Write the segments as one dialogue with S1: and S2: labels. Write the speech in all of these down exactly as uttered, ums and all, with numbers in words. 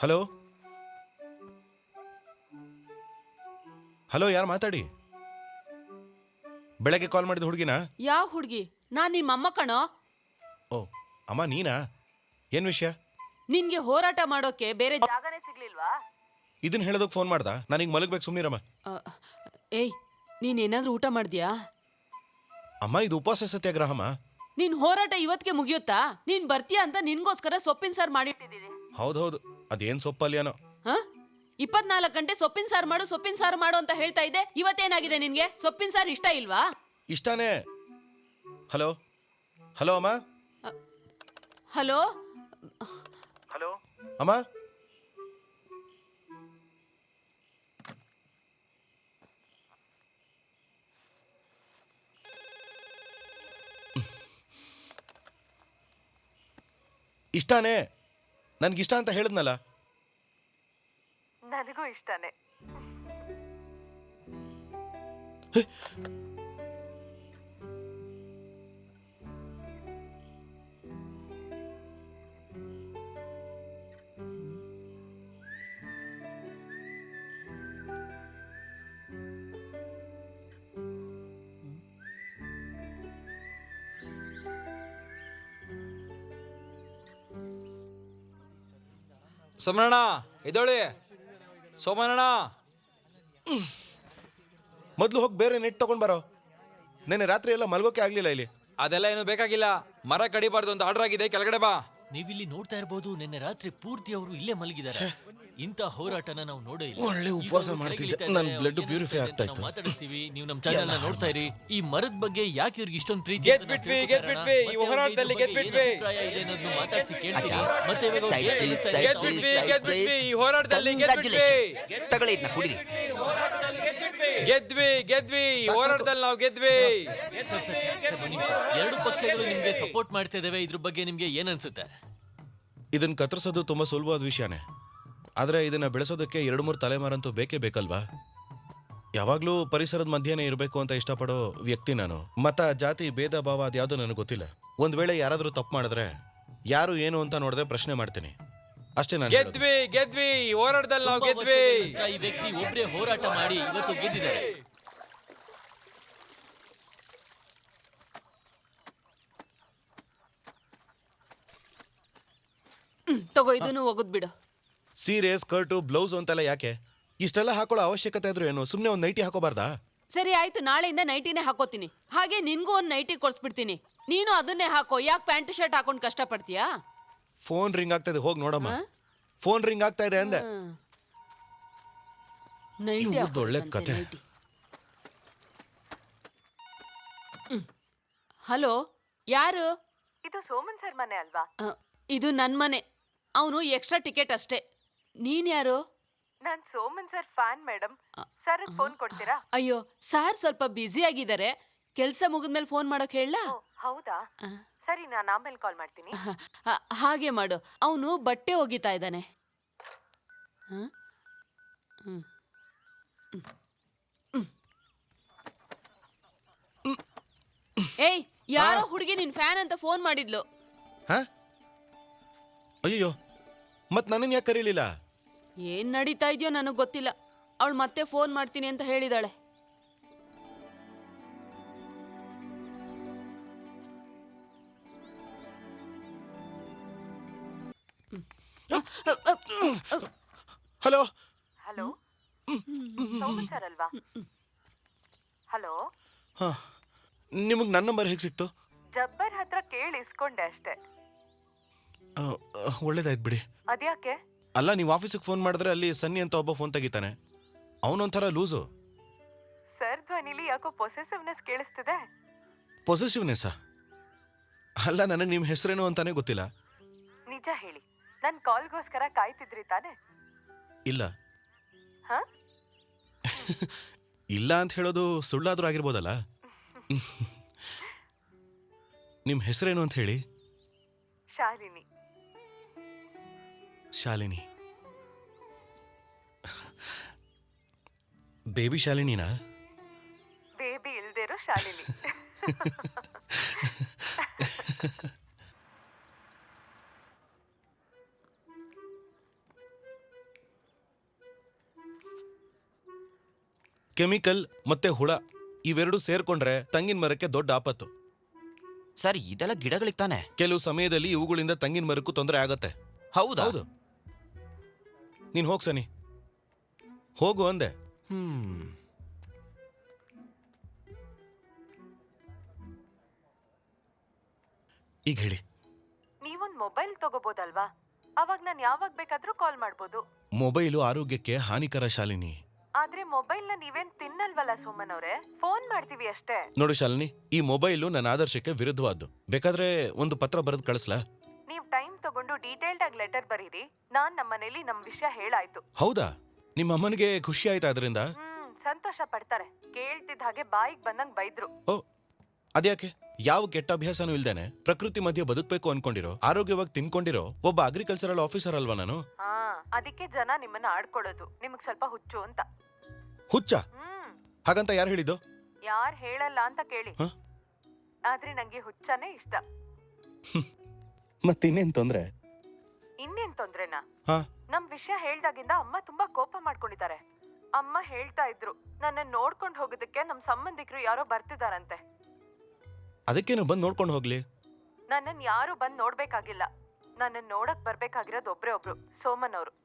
S1: Hello hello, ಯಾರು ಮಾತಾಡಿ? ಬೆಳಗ್ಗೆ ಕಾಲ್ ಮಾಡಿದ ಹುಡುಗಿನ?
S2: ಯಾವ ಹುಡುಗಿ? ನಾನ್ ನಿಮ್ಮ ಅಮ್ಮ ಕಣೋ.
S1: ಓ ಅಮ್ಮ, ನೀನಾ? ಏನ್ ವಿಷಯ?
S2: ನಿನ್ಗೆ ಹೋರಾಟ ಮಾಡೋಕೆ ಬೇರೆ ಜಾಗನೇ ಸಿಗ್ಲಿಲ್ವಾ?
S1: ಇದನ್ನ ಹೇಳೋದಕ್ಕೆ ಫೋನ್ ಮಾಡ್ದ? ನಾನೀಗ ಮಲಗಬೇಕು, ಸುಮ್ಮನಿರಮ್ಮ.
S2: ಏಯ್, ನೀನ್ ಏನಾದ್ರೂ ಊಟ ಮಾಡಿದ್ಯಾ?
S1: ಅಮ್ಮ, ಇದು ಉಪವಾಸ ಸತ್ಯಾಗ್ರಹಮ್ಮ.
S2: ನಿನ್ ಹೋರಾಟ ಇವತ್ತಿಗೆ ಮುಗಿಯುತ್ತಾ? ನೀನ್ ಬರ್ತೀಯಾ ಅಂತ ನಿನ್ಗೋಸ್ಕರ ಸೊಪ್ಪಿನ ಸಾರು ಮಾಡಿಟ್ಟಿದ್ದೀನಿ.
S1: ಹೌದೌದು, ಅದೇನ್ ಸೊಪ್ಪಲ್ಯಾನೋ.
S2: ಹ ಇಪ್ಪತ್ನಾಲ್ಕು ಗಂಟೆ ಸೊಪ್ಪಿನ ಸಾರು ಮಾಡು ಸೊಪ್ಪಿನ ಸಾರು ಮಾಡು ಅಂತ ಹೇಳ್ತಾ ಇದ್ದೆ. ಇವತ್ತೇನಾಗಿದೆ ನಿನ್ಗೆ? ಸೊಪ್ಪಿನ ಸಾರು ಇಷ್ಟ ಇಲ್ವಾ?
S1: ಇಷ್ಟಾನೇ. ಹಲೋ ಹಲೋ ಅಮ್ಮ.
S2: ಹಲೋ
S1: ಹಲೋ ಅಮ್ಮ. ಇಷ್ಟಾನೇ, ನನ್ಗಿಷ್ಟ ಅಂತ ಹೇಳಿದ್ನಲ್ಲ.
S3: ನನಗೂ ಇಷ್ಟನೇ.
S4: ಸೋಮಣ್ಣ ಎದೋಳಿ. ಸೋಮಣ್ಣ
S1: ಮೊದಲು ಹೋಗಿ ಬೇರೆ ನೆಟ್ ತಗೊಂಡ್ ಬರೋ. ನೆನ್ನೆ ರಾತ್ರಿ ಎಲ್ಲ ಮಲ್ಗೋಕೆ ಆಗ್ಲಿಲ್ಲ ಇಲ್ಲಿ.
S4: ಅದೆಲ್ಲ ಏನು ಬೇಕಾಗಿಲ್ಲ. ಮರ ಕಡಿಬಾರ್ದು ಅಂತ ಆರ್ಡರ್ ಆಗಿದೆ, ಕೆಳಗಡೆ ಬಾ.
S5: ನೀವಿಲ್ಲಿ ನೋಡ್ತಾ ಇರಬಹುದು, ನಿನ್ನೆ ರಾತ್ರಿ ಪೂರ್ತಿ ಅವರು ಇಲ್ಲೇ ಮಲಗಿದ್ದಾರೆ. ಇಂಥ ಹೋರಾಟನ ನಾವು ನೋಡೇ ಇಲ್ಲ.
S1: ಒಳ್ಳೆ ಉಪವಾಸ ಮಾಡ್ತಿದ್ದೆ, ನನ್ನ ಬ್ಲಡ್ ಪ್ಯೂರಿಫೈ ಆಗ್ತಾ ಇತ್ತು.
S5: ಮಾತಾಡ್ತೀವಿ, ನೀವು ನಮ್ಮ ಚಾನೆಲ್ ನ ನೋಡ್ತಾ ಇರಿ. ಈ ಮರದ ಬಗ್ಗೆ ಯಾಕೆ ಇವ್ರಿಗೆ ಇಷ್ಟೊಂದು ಪ್ರೀತಿ?
S4: ಗೆದ್ಬಿಟ್ವಿ, ಗೆದ್ಬಿಟ್ವಿ, ಈ ಹೋರಾಟದಲ್ಲಿ ಗೆದ್ಬಿಟ್ವಿ.
S5: ಅಭಿಪ್ರಾಯ ಇದೆ ಅನ್ನೋದನ್ನ ಮಾತಾಡ್ಸಿ ಕೇಳ್ತೀವಿ. ಮತ್ತೆ ಇವಾಗ
S6: Side
S5: ಏನ್
S6: please,
S5: ಅನಿಸ್ತಾ
S6: side
S5: ಇದೆ?
S4: ಗೆದ್ಬಿಟ್ವಿ,
S6: please,
S4: ಗೆದ್ಬಿಟ್ವಿ, ಈ ಹೋರಾಟದಲ್ಲಿ ಗೆದ್ಬಿಟ್ವಿ.
S6: Congratulations. ತಗೊಳ್ಳಿ ಇದನ್ನ ಕುಡಿರಿ.
S4: ಗೆದ್ವಿ ಗೆದ್ವಿ ಈ ಹೋರಾಟದಲ್ಲಿ ನಾವು ಗೆದ್ವಿ.
S5: ಸರ್, ಸರ್, ಸರ್, ಒಂದ್ ನಿಮಿಷ. ಎರಡು ಪಕ್ಷಗಳು ನಿಮ್ಗೆ ಸಪೋರ್ಟ್ ಮಾಡ್ತಾ ಇದಾವೆ. ಇದ್ರ ಬಗ್ಗೆ ನಿಮ್ಗೆ ಏನ್ ಅನ್ಸುತ್ತೆ?
S1: ಇದನ್ನ ಕತ್ತರಿಸೋದು ತುಂಬಾ ಸುಲಭವಾದ ವಿಷಯನೇ, ಆದ್ರೆ ಇದನ್ನ ಬೆಳೆಸೋದಕ್ಕೆ ಎರಡು ಮೂರು ತಲೆಮಾರಂತೂ ಬೇಕೇ ಬೇಕಲ್ವಾ? ಯಾವಾಗ್ಲೂ ಪರಿಸರದ ಮಧ್ಯೆನೇ ಇರಬೇಕು ಅಂತ ಇಷ್ಟಪಡೋ ವ್ಯಕ್ತಿ ನಾನು. ಮತ, ಜಾತಿ, ಭೇದ ಭಾವ ಅದ್ಯಾವುದೂ ನನಗೆ ಗೊತ್ತಿಲ್ಲ. ಒಂದ್ ವೇಳೆ ಯಾರಾದ್ರೂ ತಪ್ಪು ಮಾಡಿದ್ರೆ ಯಾರು ಏನು ಅಂತ ನೋಡಿದ್ರೆ ಪ್ರಶ್ನೆ ಮಾಡ್ತೀನಿ ಅಷ್ಟೇ. ನಾನು
S4: ಗೆದ್ವಿ ಗೆದ್ವಿ ಈ ಹೋರಾಟದಲ್ಲಿ ನಾವು
S5: ತುಂಬಾ
S4: ಗೆದ್ವಿ.
S5: ವರ್ಷಗಳ ನಂತರ ಈ ವ್ಯಕ್ತಿ ಒಬ್ರೇ ಹೋರಾಟ ಮಾಡಿ ಇವತ್ತು ಗೆದ್ದಿದ್ದಾರೆ.
S2: ಹ್ಮ್ ತಗೋ, ಇದನ್ನು ಒಗದ್ ಬಿಡು.
S1: ಸೀರೆ, ಸ್ಕರ್ಟು, ಬ್ಲೌಸ್ ಅಂತೆಲ್ಲ ಯಾಕೆ? ಇಷ್ಟೆಲ್ಲ ಹಾಕೊಳ್ಳೋ ಅವಶ್ಯಕತೆ ಇದ್ರು ಏನು? ಸುಮ್ಮನೆ ಒಂದು ನೈಟಿ ಹಾಕೋಬಾರ್ದಾ?
S2: ಸರಿ ಆಯ್ತು, ನಾಳೆಯಿಂದ ನೈಟಿನೇ ಹಾಕೋತೀನಿ. ಹಾಗೆ ನಿನ್ಗೂ ಒಂದು ನೈಟಿ ಕೊಡ್ಸ್ಬಿಡ್ತೀನಿ. ನೀನು ಅದನ್ನೇ ಹಾಕೋ. ಯಾಕೆ ಪ್ಯಾಂಟ್ ಶರ್ಟ್ ಹಾಕೊಂಡು ಕಷ್ಟ ಪಡ್ತೀಯಾ?
S1: ಫೋನ್ ರಿಂಗ್ ಆಗ್ತಾ ಇದೆ, ಹೋಗಿ ನೋಡಮ್ಮ. ಫೋನ್ ರಿಂಗ್ ಆಗ್ತಾ ಇದೆ ಅಂದೆ.
S2: ನೈಟಿ
S1: ಇವ್ರ್ದ್ ಒಳ್ಳೆ ಕತೆ.
S2: ಹಲೋ, ಯಾರು?
S3: ಇದು ಸೋಮನ್ ಸರ್ ಮನೆ ಅಲ್ವಾ?
S2: ಅ, ಇದು ನನ್ ಮನೆ. ಅವನು ಎಕ್ಸ್ಟ್ರಾ ಟಿಕೆಟ್ ಅಷ್ಟೇ. ನೀನ್ ಯಾರು?
S3: ನಾನ್ Soman sir fan madam. Sir phone ಕೊಡ್ತೀರಾ?
S2: ಅಯ್ಯೋ, ಸಾರ್ ಸ್ವಲ್ಪ ಬ್ಯುಸಿ ಆಗಿದ್ದಾರೆ. ಕೆಲ್ಸ ಮುಗಿದ್ಮೇಲೆ ಫೋನ್ ಮಾಡೋಕ್ ಹೇಳ?
S3: ಓ, ಹೌದಾ? ಸರಿ, ನಾನು ಆಮೇಲೆ ಕಾಲ್ ಮಾಡ್ತೀನಿ.
S2: ಹಾಗೆ ಮಾಡು. ಅವನು ಬಟ್ಟೆ ಒಗಿತಾ ಇದ್ದಾನೆ. ಏಯ್, ಯಾರೋ ಹುಡುಗಿ ನಿನ್ ಫ್ಯಾನ್ ಅಂತ ಫೋನ್ ಮಾಡಿದ್ಲು.
S1: ಹಾ? ಅಯ್ಯೋ, ಮತ್ ನನ್ನನ್ನು ಯಾಕೆ ಕರೀಲಿಲ್ಲ?
S2: ಏನ್ ನಡೀತಾ ಇದೆಯೋ ನನಗ್ ಗೊತ್ತಿಲ್ಲ. ಅವಳು ಮತ್ತೆ ಫೋನ್ ಮಾಡ್ತೀನಿ ಅಂತ ಹೇಳಿದಾಳೆ.
S1: ಹಲೋ
S3: ಹಲೋ, ಸೋಮನ್ ಸರ್ ಅಲ್ವಾ? ಹಲೋ,
S1: ಹಾ, ನಿಮಗೆ ನನ್ನ ನಂಬರ್ ಹೇಗೆ ಸಿಕ್ತು?
S3: ಜಬ್ಬರ್ ಹತ್ರ ಕೇಳಿ ಇಸ್ಕೊಂಡೆ ಅಷ್ಟೇ.
S1: ಆ, ಒಳ್ಳೇದಾಯ್ತು ಬಿಡಿ.
S3: ಅದ್ಯಾಕೆ?
S1: ಅಲ್ಲ, ನೀವು ಆಫೀಸಿಗೆ ಫೋನ್ ಮಾಡಿದ್ರೆ ಅಲ್ಲಿ ಸನ್ನಿ ಅಂತ ಒಬ್ಬ ಫೋನ್ ತೆಗಿತಾನೆ. ಅವನೊಂಥರ ಲೂಸು.
S3: ಸರ್ ಧ್ವನಿಲಿ ಯಾಕೋ ಪೊಸೆಸಿವ್ನೆಸ್ ಕೇಳಿಸ್ತಿದೆ.
S1: ಪೊಸೆಸಿವ್ನೆಸ್ಸಾ? ಅಲ್ಲ, ನನಗೆ ನಿಮ್ಮ ಹೆಸರೇನು ಅಂತಾನೆ ಗೊತ್ತಿಲ್ಲ.
S3: ನಿಜ ಹೇಳಿ, ನನ್ ಕಾಲ್ಗೋಸ್ಕರ ಕಾಯ್ತಿದ್ರಿ ತಾನೆ?
S1: ಇಲ್ಲ.
S3: ಹಾ?
S1: ಇಲ್ಲ ಅಂತ ಹೇಳೋದು ಸುಳ್ಳಾದ್ರೂ ಆಗಿರ್ಬೋದಲ್ಲ. ನಿಮ್ಮ ಹೆಸರೇನು ಅಂತ ಹೇಳಿ.
S3: ಶಾಲಿನಿ.
S1: ಶಾಲಿನಿ. ಬೇಬಿ ಶಾಲಿನಿನಾ?
S3: ಬೇಬಿ ಇಲ್ದಿರೋ ಶಾಲಿನಿ.
S1: ಕೆಮಿಕಲ್ ಮತ್ತೆ ಹುಳ ಇವೆರಡು ಸೇರ್ಕೊಂಡ್ರೆ ತಂಗಿನ ಮರಕ್ಕೆ ದೊಡ್ಡ ಆಪತ್ತು.
S6: ಸರ್ ಇದೆಲ್ಲ ಗಿಡಗಳಿಗೆ ತಾನೆ.
S1: ಕೆಲವು ಸಮಯದಲ್ಲಿ ಇವುಗಳಿಂದ ತಂಗಿನ ಮರಕ್ಕೂ ತೊಂದರೆ ಆಗತ್ತೆ.
S6: ಹೌದಾ?
S1: ಹೌದು. ನೀನ್ ಹೋಗ್ ಸನಿ, ಹೋಗು ಅಂದೆ.
S6: ಹ್ಮ್
S1: ಈಗ ಹೇಳಿ.
S3: ನೀವೊಂದ್ ಮೊಬೈಲ್ ತಗೋಬೋದಲ್ವಾ? ಅವಾಗ ನಾನು ಯಾವಾಗ ಬೇಕಾದ್ರೂ ಕಾಲ್ ಮಾಡ್ಬೋದು.
S1: ಮೊಬೈಲು ಆರೋಗ್ಯಕ್ಕೆ ಹಾನಿಕರ ಶಾಲಿನಿ.
S3: ಆದ್ರೆ ಮೊಬೈಲ್ ನ ನೀವೇನ್ ತಿನ್ನಲ್ವಲ್ಲ ಸುಮನ್ ಅವ್ರೆ, ಫೋನ್ ಮಾಡ್ತೀವಿ ಅಷ್ಟೇ.
S1: ನೋಡು ಶಾಲಿನಿ, ಈ ಮೊಬೈಲು ನನ್ನ ಆದರ್ಶಕ್ಕೆ ವಿರುದ್ಧವಾದ್ದು. ಬೇಕಾದ್ರೆ ಒಂದು ಪತ್ರ ಬರೆದು ಕಳಿಸ್ಲಾ?
S3: ನೀವ್ ಟೈಮ್ ತಗೊಂಡು ಡೀಟೇಲ್ಡ್ ಆಗಿ ಲೆಟರ್ ಬರೀರಿ. ನಾನ್ ನಮ್ಮನೇಲಿ ನಮ್ ವಿಷಯ ಹೇಳಾಯ್ತು.
S1: ಹೌದಾ? ನಿಮ್ಮ ಅಮ್ಮನಿಗೆ ಖುಷಿ ಆಯ್ತಾ ಅದರಿಂದ?
S3: ಹ್ಮ್ ಸಂತೋಷ ಪಡ್ತಾರೆ. ಕೇಳ್ತಿದ್ದ ಹಾಗೆ ಬಾಯಿಗೆ ಬಂದಂಗ್ ಬೈದ್ರು.
S1: ಓ, ಅದ್ಯಾಕೆ? ಯಾವ ಕೆಟ್ಟ ಅಭ್ಯಾಸನೂ ಇಲ್ದೇನೆ ಪ್ರಕೃತಿ ಮಧ್ಯೆ ಬದುಕಬೇಕು ಅನ್ಕೊಂಡಿರೋ, ಆರೋಗ್ಯವಾಗಿ ತಿನ್ಕೊಂಡಿರೋ ಒಬ್ಬ ಅಗ್ರಿಕಲ್ಚರಲ್ ಆಫೀಸರ್ ಅಲ್ವಾ ನಾನು?
S3: ಹಾ, ಅದಕ್ಕೆ ಜನ ನಿಮ್ಮನ್ನ ಆಡ್ಕೊಳ್ಳೋದು. ನಿಮಗ್ ಸ್ವಲ್ಪ ಹುಚ್ಚು ಅಂತ.
S1: ಹುಚ್ಚ?
S3: ಹ್ಮ್
S1: ಹಾಗಂತ ಯಾರು ಹೇಳಿದ್ದು?
S3: ಯಾರ್ ಹೇಳಲ್ಲ ಅಂತ ಕೇಳಿ.
S1: ಹ?
S3: ಆದ್ರೆ ನಂಗೆ ಹುಚ್ಚನೇ ಇಷ್ಟ.
S1: ಮತ್ತಿನ್ನೇನ್ ತೊಂದ್ರೆ?
S3: ಇನ್ನೇನ್ ತೊಂದ್ರೆನಾ?
S1: ಹಾ,
S3: ನಮ್ ವಿಷಯ ಹೇಳ್ದಾಗಿಂದ ಅಮ್ಮ ತುಂಬಾ ಕೋಪ ಮಾಡ್ಕೊಂಡಿದ್ದಾರೆ. ಅಮ್ಮ ಹೇಳ್ತಾ ಇದ್ರು, ನನ್ನ ನೋಡ್ಕೊಂಡ್ ಹೋಗೋದಕ್ಕೆ ನಮ್ ಸಂಬಂಧಿಕರು ಯಾರೋ ಬರ್ತಿದಾರಂತೆ.
S1: ಅದಕ್ಕೇನು ಬಂದು ನೋಡ್ಕೊಂಡು ಹೋಗ್ಲಿ.
S3: ನನ್ನನ್ ಯಾರು ಬಂದ್ ನೋಡ್ಬೇಕಾಗಿಲ್ಲ. ನನ್ನನ್ ನೋಡಕ್ ಬರ್ಬೇಕಾಗಿರೋದು ಒಬ್ರೇ ಒಬ್ರು, ಸೋಮನ್ ಅವರು.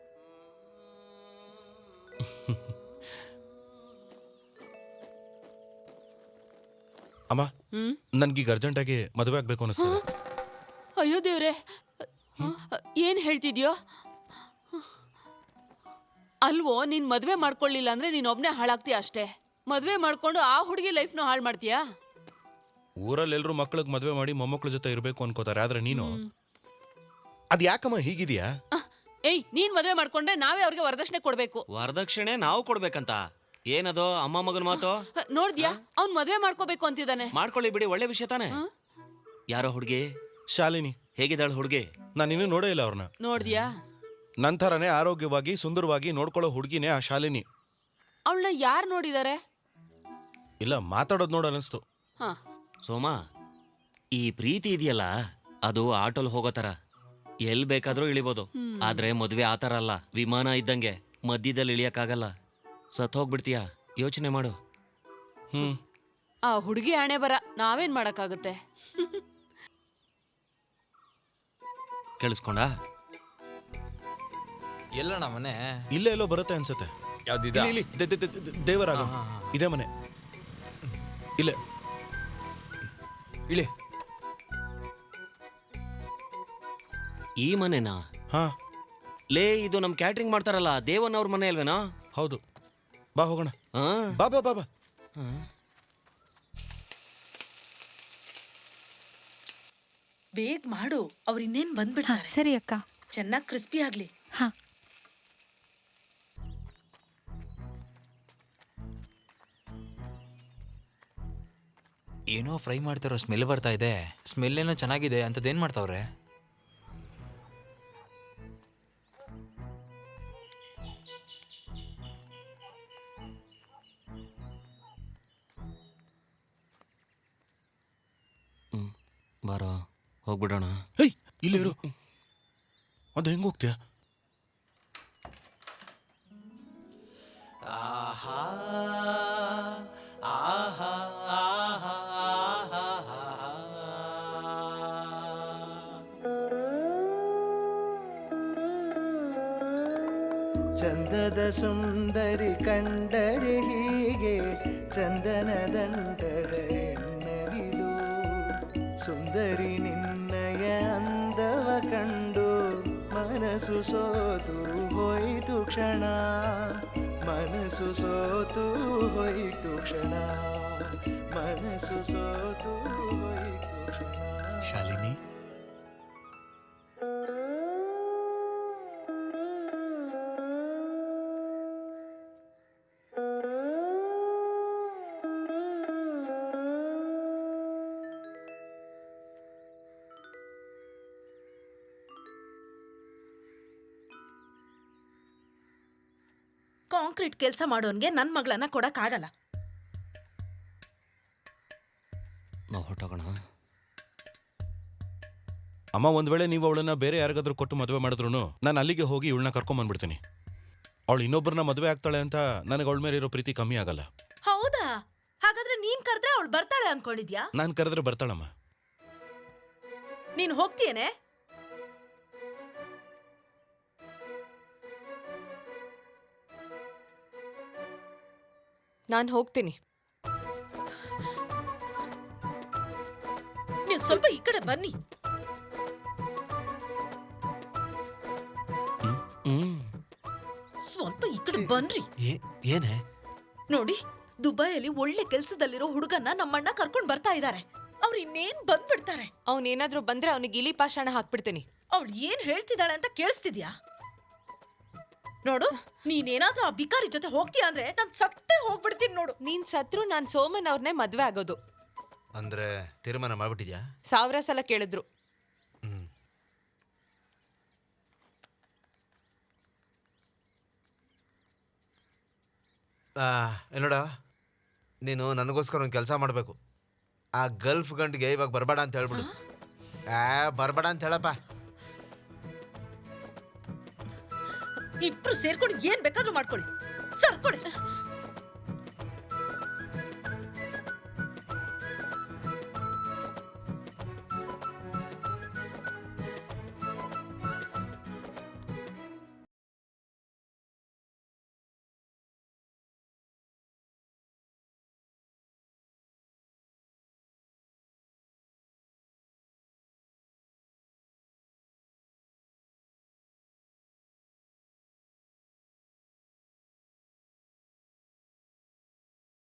S1: ಅಮ್ಮ,
S2: ಹ್ಮ್
S1: ನನ್ಗೀಗ ಅರ್ಜೆಂಟಾಗಿ ಮದುವೆ ಆಗ್ಬೇಕು ಅನಿಸ್ತದೆ.
S2: ಅಯ್ಯೋ ದೇವ್ರೆ, ಏನ್ ಹೇಳ್ತಿದ್ಯೋ? ಅಲ್ವೋ, ನೀನ್ ಮದ್ವೆ ಮಾಡ್ಕೊಳ್ಳಿಲ್ಲ ಅಂದ್ರೆ ನೀನ್ ಒಬ್ನೇ ಹಾಳಾಗ್ತೀಯ ಅಷ್ಟೇ. ಮದ್ವೆ ಮಾಡ್ಕೊಂಡು ಆ ಹುಡುಗಿ ಲೈಫ್ನ ಹಾಳು ಮಾಡ್ತೀಯಾ?
S1: ಊರಲ್ಲಿ ಎಲ್ರು ಮಕ್ಳಿಗೆ ಮದುವೆ ಮಾಡಿ ಮೊಮ್ಮಕ್ಳ ಜೊತೆ ಇರ್ಬೇಕು ಅನ್ಕೋತಾರೆ, ಆದ್ರೆ ನೀನು ಅದ್ ಯಾಕಮ್ಮ ಹೀಗಿದ್ಯಾ?
S2: ಅಹ್, ಏಯ್, ನೀನ್ ಮದ್ವೆ ಮಾಡ್ಕೊಂಡ್ರೆ ನಾವೇ ಅವ್ರಿಗೆ ವರದಕ್ಷಿಣೆ ಕೊಡ್ಬೇಕು.
S7: ವರದಕ್ಷಿಣೆ ನಾವು ಕೊಡ್ಬೇಕಂತ? ಏನದು ಅಮ್ಮ ಮಗನ ಮಾತು?
S2: ಅಹ್, ನೋಡ್ದ್ಯಾ, ಅವ್ನ್ ಮದ್ವೆ ಮಾಡ್ಕೋಬೇಕು ಅಂತಿದ್ದಾನೆ.
S7: ಮಾಡ್ಕೊಳ್ಳಿ ಬಿಡಿ, ಒಳ್ಳೆ ವಿಷಯ ತಾನೆ. ಯಾರೋ ಹುಡುಗಿ?
S1: ಶಾಲಿನಿ.
S7: ಹೇಗಿದ್ದಾಳು ಹುಡುಗಿ?
S1: ನಾನು ಇನ್ನೂ ನೋಡೇ ಇಲ್ಲ ಅವ್ರನ್ನ.
S2: ನೋಡ್ದ್ಯಾ?
S1: ನಂತರನೇ ಆರೋಗ್ಯವಾಗಿ ಸುಂದರವಾಗಿ ನೋಡ್ಕೊಳ್ಳೋ ಹುಡುಗಿನೇ ಆ ಶಾಲಿನಿ.
S2: ಅವಳನ್ನ ಯಾರು ನೋಡಿದಾರೆ?
S1: ಇಲ್ಲ, ಮಾತಾಡೋದು ನೋಡ ಅನಿಸ್ತು.
S2: ಹಾ,
S7: ಸೋಮ, ಈ ಪ್ರೀತಿ ಇದೆಯಲ್ಲ, ಅದು ಆಟೋಲ್ ಹೋಗೋ ತರ ಎಲ್ ಬೇಕಾದ್ರೂ ಇಳಿಬೋದು. ಆದ್ರೆ ಮದ್ವೆ ಆತರ ಅಲ್ಲ, ವಿಮಾನ ಇದ್ದಂಗೆ ಮಧ್ಯದಲ್ಲಿ ಇಳಿಯಕ್ಕಾಗಲ್ಲ. ಸತ್ ಹೋಗ್ಬಿಡ್ತೀಯ. ಯೋಚನೆ ಮಾಡು.
S1: ಹ್ಮ್
S2: ಆ ಹುಡುಗಿ ಹಣೆ ಬರ, ನಾವೇನ್ ಮಾಡಕ್ಕಾಗುತ್ತೆ?
S7: ಕೇಳಿಸ್ಕೊಂಡ?
S4: ಎಲ್ಲಣ್ಣ ಮನೆ?
S1: ಇಲ್ಲೇ ಎಲ್ಲೋ ಬರುತ್ತೆ ಅನ್ಸುತ್ತೆ.
S4: ಯಾವ್ದಿದ?
S1: ಇಲ್ಲಿ, ಇಲ್ಲಿ, ದೆ- ದೆ- ದೆ- ದೆ- ದೇವರಾಗ ಇದೇ ಮನೆ. ಇಲ್ಲೇ
S4: ಇಳಿ.
S7: ಈ ಮನೆನಾ?
S1: ಹಾ,
S7: ಲೇ, ಇದು ನಮ್ ಕ್ಯಾಟ್ರಿಂಗ್ ಮಾಡ್ತಾರಲ್ಲ ದೇವನ್ ಅವ್ರ ಮನೆ ಅಲ್ವೇನಾ?
S1: ಹೌದು. ಬಾ ಹೋಗೋಣ.
S7: ಹಾ?
S1: ಬಾ ಬಾ ಬಾ ಬಾ.
S8: ಬೇಗ ಮಾಡು, ಅವ್ರು ಇನ್ನೇನ್ ಬಂದ್ಬಿಡ್ತಾರೆ.
S9: ಸರಿ ಅಕ್ಕ.
S8: ಚೆನ್ನಾಗಿ ಕ್ರಿಸ್ಪಿ ಆಗ್ಲಿ.
S9: ಹಾ,
S4: ಏನೋ ಫ್ರೈ ಮಾಡ್ತಾರೋ ಸ್ಮೆಲ್ ಬರ್ತಾ ಇದೆ. ಸ್ಮೆಲ್ ಏನೋ ಚೆನ್ನಾಗಿದೆ. ಅಂತದೇನ್ ಮಾಡ್ತಾವ್ರೆ?
S7: ಹ್ಮ್ ಬಾರೋ, ಹೋಗ್ಬಿಡೋಣ.
S1: ಹೇಯ್, ಇಲ್ಲಿ ಇರು. ಅದು ಹೆಂಗ್ ಹೋಗ್ತೀಯ?
S10: ಚಂದದ ಸುಂದರಿ ಕಂಡರೆ ಹೀಗೆ ಚಂದನ ದಂಡದ ಎನ್ನವಿಲು. ಸುಂದರಿ ನಿನ್ನಯ ಅಂದವ ಕಂಡು ಮನಸ್ಸು ಸೋತು ಹೋಯಿತು ಕ್ಷಣ. ಮನಸ್ಸು ಸೋತು ಹೋಯಿತು ಕ್ಷಣ. ಮನಸ್ಸು ಸೋತು ಹೋಯಿತು ಕ್ಷಣ.
S7: ಶಾಲಿನಿ,
S8: ಕಾಂಕ್ರೀಟ್ ಕೆಲಸ ಮಾಡೋನ್ಗೆ ನನ್ ಮಗಳನ್ನ ಕೊಡಕ್ ಆಗಲ್ಲ.
S7: ನಾವು ಹೊಟ್ಟೋಗೋಣ.
S1: ಅಮ್ಮ, ಒಂದ್ ವೇಳೆ ನೀವು ಅವಳನ್ನ ಬೇರೆ ಯಾರಿಗಾದ್ರೂ ಕೊಟ್ಟು ಮದುವೆ ಮಾಡಿದ್ರು ನಾನು ಅಲ್ಲಿಗೆ ಹೋಗಿ ಇವಳನ್ನ ಕರ್ಕೊಂಡ್ ಬಂದ್ಬಿಡ್ತೀನಿ. ಅವಳು ಇನ್ನೊಬ್ಬರನ್ನ ಮದುವೆ ಆಗ್ತಾಳೆ ಅಂತ ನನಗೆ ಅವಳ ಮೇಲೆ ಇರೋ ಪ್ರೀತಿ ಕಮ್ಮಿ ಆಗಲ್ಲ.
S8: ಹೌದಾ? ಹಾಗಾದ್ರೆ ನೀನ್ ಕರೆದ್ರೆ ಅವಳು ಬರ್ತಾಳೆ ಅನ್ಕೊಂಡಿದ್ಯಾ?
S1: ನಾನು ಕರೆದ್ರೆ ಬರ್ತಾಳಮ್ಮ.
S8: ನೀನ್ ಹೋಗ್ತೀಯೇನೆ?
S3: ನಾನು ಹೋಗ್ತೀನಿ.
S8: ನೀವು ಸ್ವಲ್ಪ ಈ ಕಡೆ ಬನ್ನಿ.
S7: ಹ್ಮ್
S8: ಸ್ವಲ್ಪ ಈ ಕಡೆ ಬನ್ರಿ.
S10: ಏನೇ?
S8: ನೋಡಿ, ದುಬೈಯಲ್ಲಿ ಒಳ್ಳೆ ಕೆಲ್ಸದಲ್ಲಿರೋ ಹುಡುಗನ್ನ ನಮ್ಮಣ್ಣ ಕರ್ಕೊಂಡ್ ಬರ್ತಾ ಇದ್ದಾರೆ. ಅವ್ರು ಇನ್ನೇನ್ ಬಂದ್ಬಿಡ್ತಾರೆ.
S3: ಅವನೇನಾದ್ರೂ ಬಂದ್ರೆ ಅವನಿಗೆ ಇಲಿ ಪಾಷಾಣ ಹಾಕ್ಬಿಡ್ತೀನಿ.
S8: ಅವಳು ಏನ್ ಹೇಳ್ತಿದ್ದಾಳೆ ಅಂತ ಕೇಳಿಸ್ತಿದ್ಯಾ? ನೋಡು, ನೀನೇನಾದ್ರೂ ಆ ಬಿಕಾರಿ ಜೊತೆ ಹೋಗ್ತೀಯ ಅಂದ್ರೆ ನಾನ್ ಸತ್ತೇ ಹೋಗ್ಬಿಡ್ತೀನಿ ನೋಡು.
S3: ನೀನ್ ಸತ್ರು ನಾನ್ ಸೋಮನ್ ಅವ್ರನ್ನೇ ಮದ್ವೆ ಆಗೋದು.
S10: ಅಂದ್ರೆ ತೀರ್ಮಾನ ಮಾಡ್ಬಿಟ್ಟಿದ್ಯಾ?
S3: ಸಾವಿರ ಸಲ ಕೇಳಿದ್ರು.
S10: ಹ್ಮ್. ನೋಡ, ನೀನು ನನಗೋಸ್ಕರ ಒಂದು ಕೆಲಸ ಮಾಡಬೇಕು. ಆ ಗಲ್ಫ್ ಗಂಡಿಗೆ ಇವಾಗ ಬರಬೇಡ ಅಂತ ಹೇಳ್ಬಿಡು. ಆ ಬರಬೇಡ ಅಂತ ಹೇಳಪ್ಪ.
S8: ಇಬ್ರು ಸೇರ್ಕೊಂಡು ಏನ್ ಬೇಕಾದ್ರೂ ಮಾಡ್ಕೊಳ್ಳಿ. ಸರ್ಕೊಳ್ಳಿ.